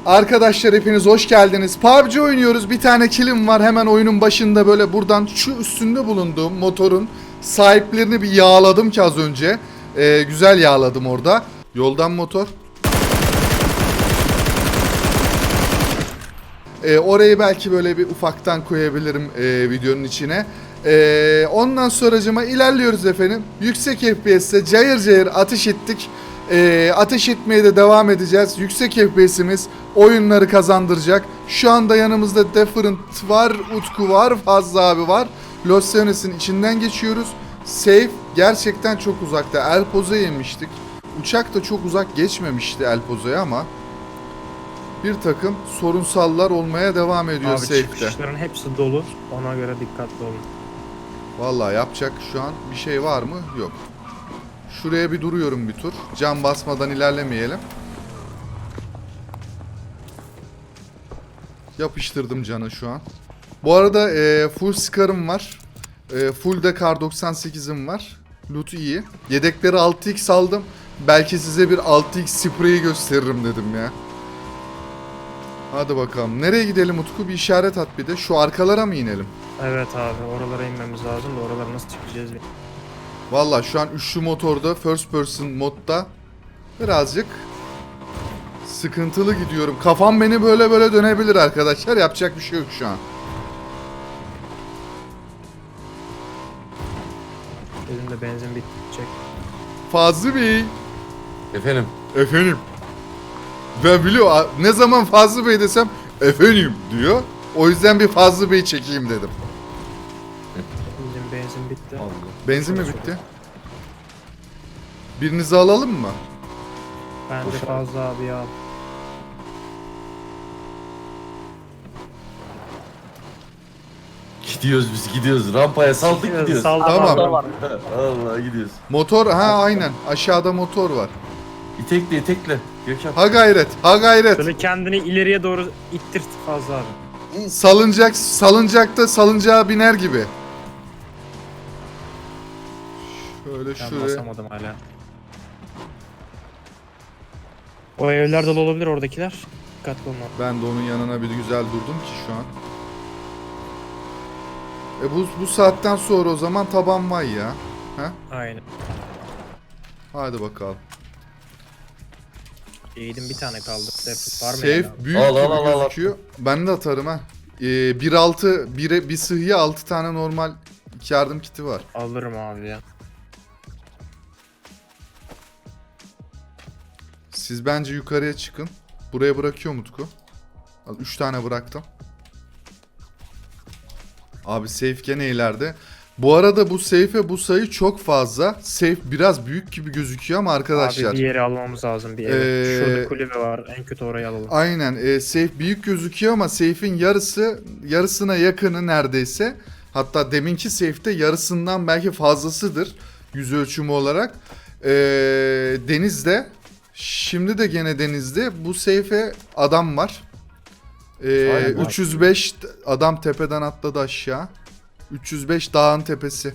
Arkadaşlar hepiniz hoş geldiniz. PUBG oynuyoruz. Bir tane killim var. Hemen oyunun başında böyle buradan şu üstünde bulunduğum motorun sahiplerini bir yağladım ki az önce. Güzel yağladım orada. Yoldan motor. Orayı belki böyle bir ufaktan koyabilirim videonun içine. Ondan sonracıma ilerliyoruz efendim. Yüksek FPS'te cayır cayır ateş ettik. Ateş etmeye de devam edeceğiz. Yüksek FPS'imiz oyunları kazandıracak. Şu anda yanımızda Different var, Utku var, Fazlı abi var. Los Angeles'in içinden geçiyoruz. Safe gerçekten çok uzakta. El Pozo'ya yemiştik. Uçak da çok uzak geçmemişti El Pozo'ya ama bir takım sorunsallar olmaya devam ediyor Abi Safe'de. çıkışların hepsi dolu. Ona göre dikkatli olun. Vallahi yapacak şu an bir şey var mı? Yok. Şuraya bir duruyorum bir tur. Cam basmadan ilerlemeyelim. Yapıştırdım canı şu an. Bu arada full Scar'ım var. Full de Kar 98'im var. Loot iyi. Yedekleri 6x aldım. Belki size bir 6x spreyi gösteririm dedim ya. Hadi bakalım. Nereye gidelim Utku? Bir işaret at bir de. Şu arkalara mı inelim? Evet abi, oralara inmemiz lazım da oralara nasıl çıkacağız? Vallahi şu an üçlü motorda first person modda birazcık sıkıntılı gidiyorum. Kafam beni böyle böyle dönebilir arkadaşlar. Yapacak bir şey yok şu an. Benim de benzin bitecek. Fazlı Bey. Efendim. Efendim. Ben biliyorum ne zaman Fazlı Bey desem efendim diyor. O yüzden bir Fazlı Bey çekeyim dedim. Bizim benzin bitti. Allah. Benzin mi bitti? Birinizi alalım mı? Bence fazla abi ya. Gidiyoruz biz gidiyoruz. Rampaya saldık gidiyoruz. Tamam. Allah gidiyoruz. Motor aynen aşağıda motor var. İtekle itekle. Gökhan. Ha gayret, ha gayret. Şöyle kendini ileriye doğru ittir fazla abi. Salıncakta salıncağa biner gibi. Şöyle Ben şuraya. basamadım hala. O evler dolu olabilir oradakiler. Dikkatli olun. Ben de onun yanına bir güzel durdum ki şu an. Bu saatten sonra o zaman taban var ya. Aynen. Hadi bakalım. Eğitim bir tane kaldı. Defut var mı? Safe yani? büyük Al, gibi al, al, al. gözüküyor. Ben de atarım ha. 1.6 bir sıhhiye 6 tane normal yardım kiti var. Alırım abi ya. Siz bence yukarıya çıkın. Buraya bırakıyor Utku. 3 tane bıraktım. Abi safe gene ileride. Bu arada bu safe'e bu sayı çok fazla. Safe biraz büyük gibi gözüküyor ama arkadaşlar. Abi bir yeri almamız lazım bir evi. Şurada kulübe var. En kötü orayı alalım. Aynen. Safe büyük gözüküyor ama safe'in yarısına yakını neredeyse. Hatta deminki safe'te yarısından belki fazlasıdır. Yüz ölçümü olarak. Denizde. Şimdi de gene denizde. Bu safe'e adam var. Aynen. 305 adam tepeden atladı aşağı. 305 dağın tepesi.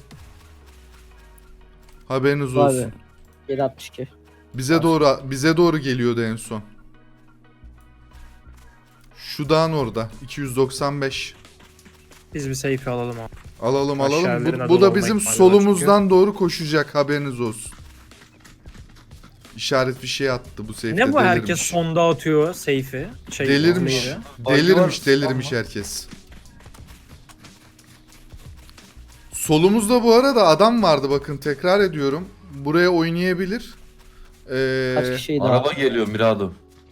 Haberiniz olsun. Abi 762. Bize doğru geliyordu en son. Şu dağın orada 295. Biz bir safe alalım abi. Alalım. Aşağılarına Bu dolu da olma bizim ihtimali var solumuzdan doğru koşacak, haberiniz olsun. İşaret bir şey attı bu safe'de. Ne bu herkes delirmiş. sonda atıyor safe'i? Delirmiş. onları. Delirmiş herkes. Solumuzda bu arada adam vardı, bakın tekrar ediyorum. Buraya oynayabilir. Kaç kişiydi Araba abi? geliyor Mirado.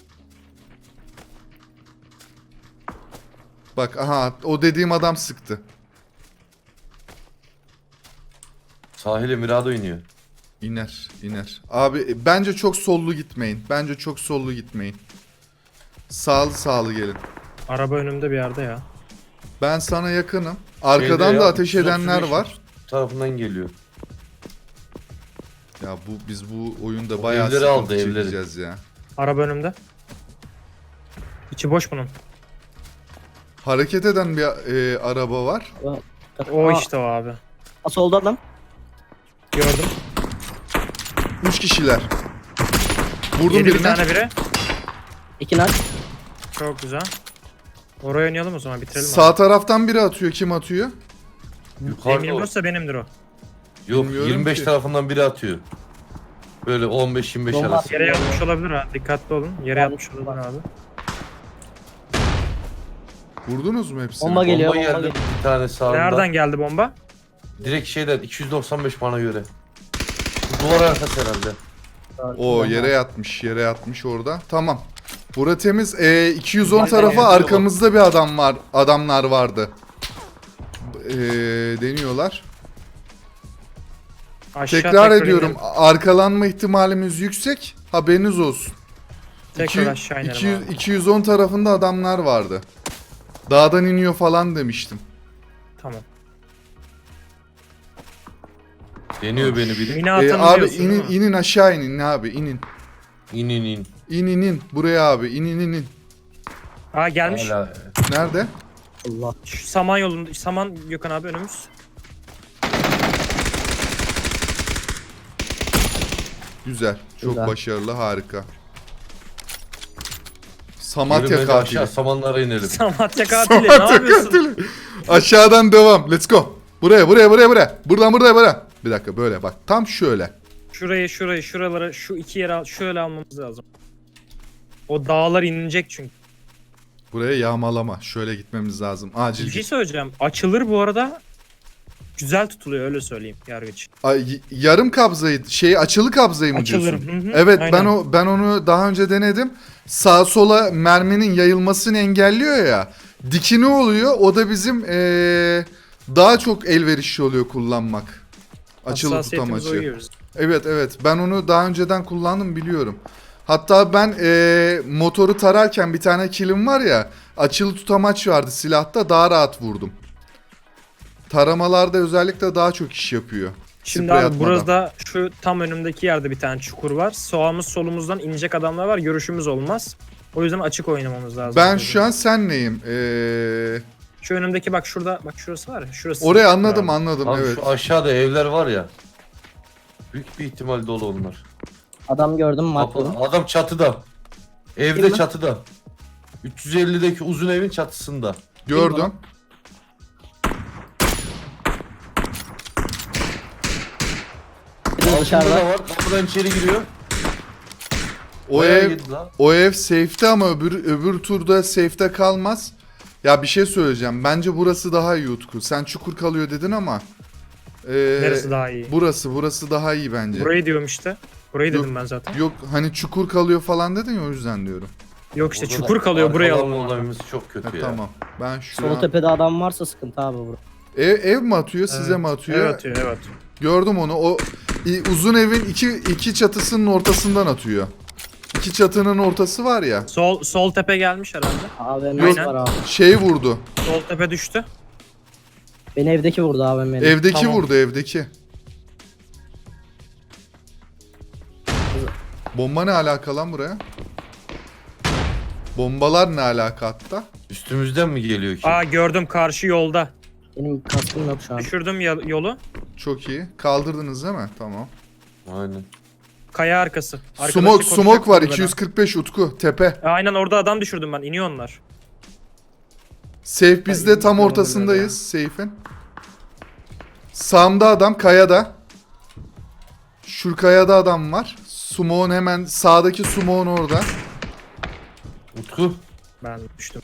Bak aha, o dediğim adam sıktı. Sahile Mirado iniyor. İner. Abi bence çok sollu gitmeyin. Sağlı gelin. Araba önümde bir yerde ya. Ben sana yakınım. Arkadan Şeyde da ya, ateş edenler 335 var. Tarafından geliyor. Ya biz bu oyunda O bayağı evleri sıkıntı aldı, evleri. çekeceğiz ya. Araba önümde. İçi boş bunun. Hareket eden bir araba var. O işte o abi. Solda adam. Gördüm. 3 kişiler. Vurdum Yedi bir birine. tane biri. 2 nak. Çok güzel. Oraya oynayalım o zaman bitirelim. Sağ taraftan biri atıyor. Kim atıyor? Yukarıda o. M24 ise benimdir o. Yok Bilmiyorum 25 ki. tarafından biri atıyor. Böyle 15-25 Bomba arası. Yere yatmış olabilir ha. Dikkatli olun. Yere yatmış olabilir abi. Vurdunuz mu hepsini? Bomba geliyor. Bomba Bomba geldi geliyor. bir tane sağında. Nereden geldi bomba? Direkt şeyden 295 bana göre. Duvar arkası herhalde. O yere yatmış. Yere yatmış orada. Tamam. Bura temiz. 210 Ben de tarafa yazıyorum. arkamızda bir adam var. Adamlar vardı. Deniyorlar. Aşağı Tekrar ediyorum. inelim. Arkalanma ihtimalimiz yüksek. Haberiniz olsun. Tekrar aşağı inelim 200 abi. 210 tarafında adamlar vardı. Dağdan iniyor falan demiştim. Tamam. Deniyor beni biri. Mini atanı Abi diyorsun değil mi? inin aşağı inin abi inin. İn in in. İn buraya abi inin. Aa gelmiş. Hala. Nerede? Allah. Şu saman yolunda. Saman Gökhan abi önümüz. Güzel. Çok Güzel. başarılı, harika. Yürü Samatya bence katili. aşağı samanlara inelim. Samatya katili ne yapıyorsun? Aşağıdan devam. Let's go. Buraya. Buradan buraya. Bir dakika böyle bak. Tam şöyle. Şuraları şu iki yere şöyle almamız lazım. O dağlar inilecek çünkü. Buraya yağmalama. Şöyle gitmemiz lazım. Acil Bir şey git. söyleyeceğim. Açılır bu arada. Güzel tutuluyor öyle söyleyeyim yargıç. Yarım kabzayı, açılı kabzayı mı Açılır. diyorsun? Hı hı, Evet, aynen. ben onu daha önce denedim. Sağa sola merminin yayılmasını engelliyor ya. Dikini oluyor. O da bizim daha çok elverişli oluyor kullanmak. Açılı Hassasiyetimize tutamaçı. uyuyoruz. Evet. Ben onu daha önceden kullandım, biliyorum. Hatta ben motoru tararken bir tane killim var ya. Açılı tutamaç vardı silahta, daha rahat vurdum. Taramalarda özellikle daha çok iş yapıyor. Şimdi Sprey abi atmadan. burada şu tam önümdeki yerde bir tane çukur var. Sağımız solumuzdan inecek adamlar var. Görüşümüz olmaz. O yüzden açık oynamamız lazım. Ben şu an senleyim. Şu önümdeki bak şurada bak şurası var ya. Şurası. Orayı anladım Abi. Abi evet. şu aşağıda evler var ya. Büyük bir ihtimal dolu onlar. Adam gördüm markladım. Adam çatıda. Evde Değil mi? çatıda. 350'deki uzun evin çatısında. Gördüm. Bir de Altında dışarıda. da var. Kapıdan içeri giriyor. O Bayağı ev yedi lan. o ev safe'te ama öbür turda safe'te kalmaz. Ya bir şey söyleyeceğim. Bence burası daha iyi Utku. Sen çukur kalıyor dedin ama. Neresi daha iyi? Burası daha iyi bence. Burayı diyorum işte. Burayı Yok. dedim ben zaten. Yok hani çukur kalıyor falan dedin ya, o yüzden diyorum. Yok işte Orada çukur da kalıyor buraya arkalanma alalım. olayımız çok Ha, kötü ya. tamam. Ben şu Sol an... tepede adam varsa sıkıntı abi bura. Ev mi atıyor, size mi atıyor? Evet atıyor evet. Gördüm onu. O uzun evin iki çatısının ortasından atıyor. İki çatının ortası var ya. Sol tepe gelmiş herhalde. AVM'si Aynen. var abi. Şey vurdu. Sol tepe düştü. Beni evdeki vurdu AVM'nin. Evdeki Tamam. vurdu, evdeki. Bomba ne alaka lan buraya? Bombalar ne alaka hatta? Üstümüzden mi geliyor ki? Aa gördüm karşı yolda. Benim kaskım yok şu an. Düşürdüm yolu. Çok iyi. Kaldırdınız değil mi? Tamam. Aynen. Kaya arkası. Arkadaşı Smoke koşacak var kulübeden. 245 Utku tepe. Aynen orada adam düşürdüm ben. İniyor onlar. Safe bizde tam Ay, ortasındayız safe'in. Sağımda adam kayada. Şu kayada adam var. Smoke'un hemen sağdaki Smoke'un orada. Utku. Ben düştüm.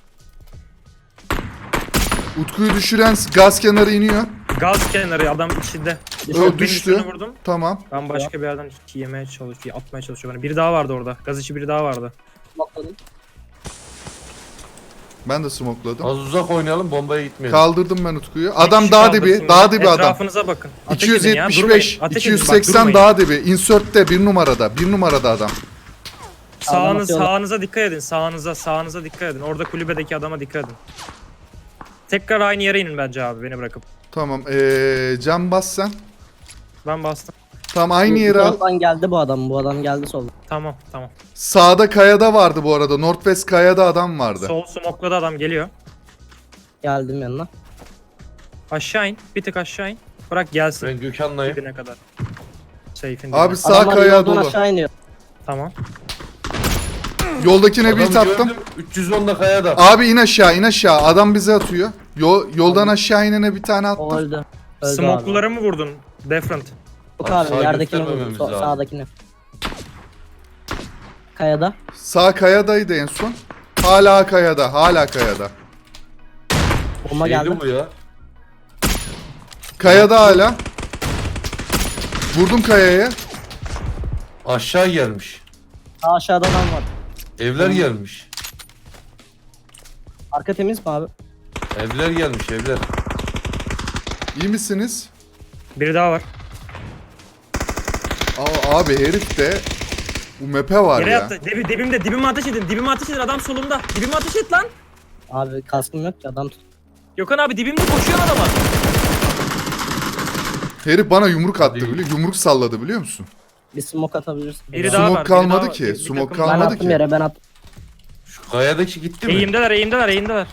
Utku'yu düşüren gaz kenarı iniyor. Gaz kenarı adam içinde. O düştü. Birini vurdum. Tamam. Ben başka bir yerden yemeye çalışıyor, atmaya çalışıyor bana. Biri daha vardı orada. Gaz içi biri daha vardı. Bakladım. Ben de smokeladım. Az uzak oynayalım bombaya gitmeyelim. Kaldırdım ben Utku'yu. Bir Adam kişi dağ kaldırsın dibi. beni. Dağ dibi adam. Etrafınıza bakın. Ateş edin ya, 275, durmayın. Ateş edin, bak, 280 durmayın. dağ dibi. Insert'te 1 numarada. 1 numarada adam. atıyorlar. Sağınıza dikkat edin. Sağınıza dikkat edin. Orada kulübedeki adama dikkat edin. Tekrar aynı yere inin bence abi beni bırakıp. Tamam. Cam bas sen. Ben bastım. Tam aynı Bu yere al. taraftan geldi bu adam. Bu adam geldi solda. Tamam. Sağda kayada vardı bu arada. Northwest kayada adam vardı. Sol smokladı adam geliyor. Geldim yanına. Aşağı in. Bir tık aşağı in. Bırak gelsin. Ben Gökhan'layım. Dibine kadar. Safe'in Abi dibine. sağ Adamlar kaya yoldan dolu. aşağı iniyor. Tamam. Yoldakine bir Adamı attım. gördüm, 310'da kayada. Abi in aşağı in aşağı. Adam bize atıyor. Yoldan aşağı inene bir tane O attım. öldü. Öldü abi. Smoke'luları mı vurdun? Different. Yok Abi abi sağa yerdekini göstermememiz vurdum. lazım. Sağdakini. Kayada. Sağ kayadaydı en son. Hala kayada. Hala kayada. Bomba Şeydi geldi. bu ya. Kayada hala. Vurdum kayaya. Aşağı gelmiş. Sağ aşağıda adam var. Evler gelmiş. Arka temiz mi abi? Evler gelmiş evler. İyi misiniz? Biri daha var. Abi herif de bu map'e var Yere ya. yattı. Dibime ateş edin. Dibime ateş edin. Adam solumda. Dibime ateş et lan. Abi kaskım yok ki adam tut. Gökhan abi dibimde koşuyor adama. Herif bana yumruk attı Hadi. biliyor. Yumruk salladı biliyor musun? Bir smoke atabilirsin. Biri daha Smoke var. kalmadı biri daha ki, var. Bir smoke takım- Ben kalmadı attım ki. yere ben attım. Şu kayadaki gitti mi? Eğimdeler.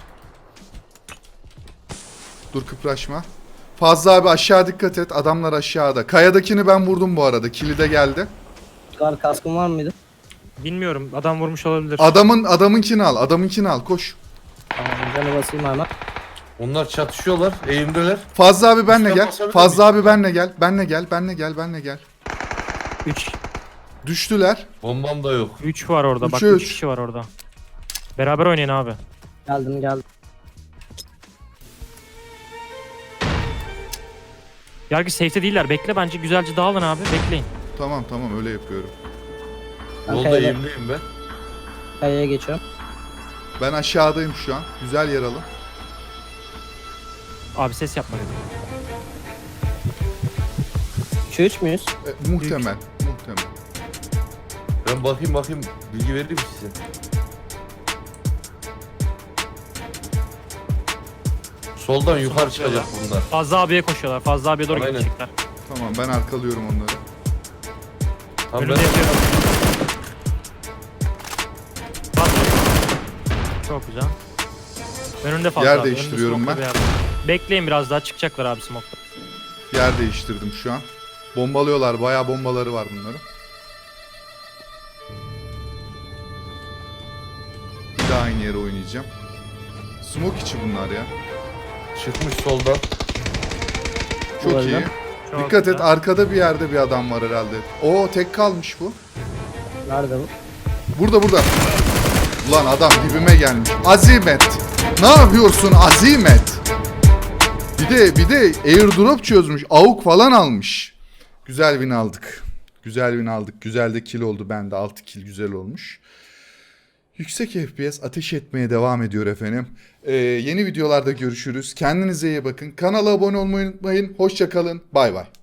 Dur kıpraşma. Fazla abi aşağı dikkat et. Adamlar aşağıda. Kayadakini ben vurdum bu arada. Kilide geldi. Abi kaskın var mıydı? Bilmiyorum. Adam vurmuş olabilir. Adamınkini al. Adamınkini al. Koş. Tamam canı basayım hemen. Onlar çatışıyorlar. Eğimdeler. Fazla abi benle Üstten gel. basabilir Fazla miyim? abi benle gel. Benle gel. 3. Düştüler. Bombam da yok. 3 var orada. Bak Üç. 3 kişi var orada. Beraber oynayın abi. Geldim. Yargı safe'te değiller. Bekle bence güzelce dağılın abi. Bekleyin. Tamam öyle yapıyorum. Ben Yolda kayada. eğimdeyim ben. Kayaya geçiyorum. Ben aşağıdayım şu an. Güzel yer alın. Abi ses yapma dedim. 3 müyüz? Muhtemel. Ben bakayım bilgi vereyim size. Soldan yukarı çıkacak bunlar. Fazla abiye koşuyorlar. Fazla abiye doğru Aynen. gidecekler. Tamam ben arkalıyorum onları. Tamam Önümde ben yapıyorum. Fazla. Çok güzel. Önünde fazla Yer abi. değiştiriyorum Önünde ben. smoke'la bir yer. Bekleyin biraz daha çıkacaklar abi smoke'ta. Yer değiştirdim şu an. Bombalıyorlar. Bayağı bombaları var bunların. Bir daha aynı yere oynayacağım. Smoke içi bunlar ya. çıkmış soldan. Çok Öyle. iyi. Çok Dikkat et güzel. arkada bir yerde bir adam var herhalde. Oo tek kalmış bu. Nerede bu? Burada. Ulan adam dibime gelmiş. Azimet. Ne yapıyorsun Azimet? Bir de airdrop çözmüş. AUK falan almış. Güzel win aldık. Güzel de kill oldu bende. 6 kill güzel olmuş. Yüksek FPS ateş etmeye devam ediyor efendim. Yeni videolarda görüşürüz. Kendinize iyi bakın. Kanala abone olmayı unutmayın. Hoşça kalın. Bay bay.